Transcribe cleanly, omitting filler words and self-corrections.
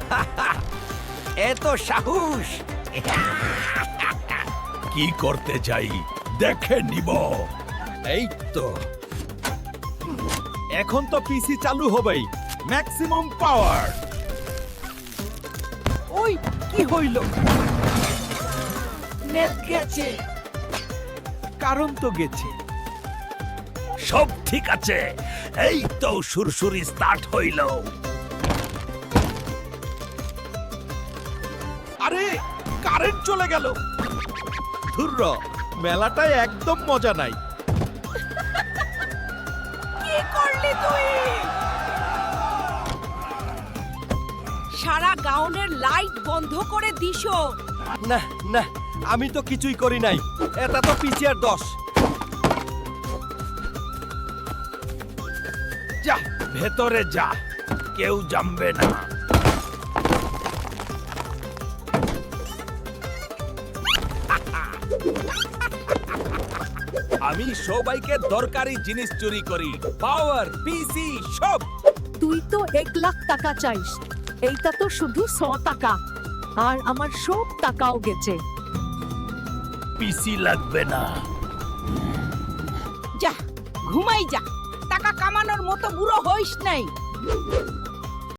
এত সাহস! কি করতে চাই দেখে নিব। এই তো এখন তো পিসি চালু হবেই। Maximum power. ওই কি হইল? নেট গেছে। কারণ তো গেছে। সব ঠিক আছে, এই তো সুরসুরি স্টার্ট হইল। আরে কারেন্ট চলে গেল। ধুর্র, মেলাটায় একদম মজা নাই। কি করলি তুই? সারা গাউনের লাইট বন্ধ করে দিছো। না না, আমি তো কিছুই করি নাই। এটা তো পিসিআর দোষ। যা ভেতরে যা, কেউ জানবে না। আমি সবাইকে দরকারি জিনিস চুরি করি। পাওয়ার, পিসি সব। তুই তো 1,00,000 টাকা চাইস, এইটা তো শুধু 100 টাকা, আর আমার সব টাকাও গেছে। পিসি লাগবে না। যা ঘুমাই যা, টাকা কামানোর মতো বুড়ো হইস নাই।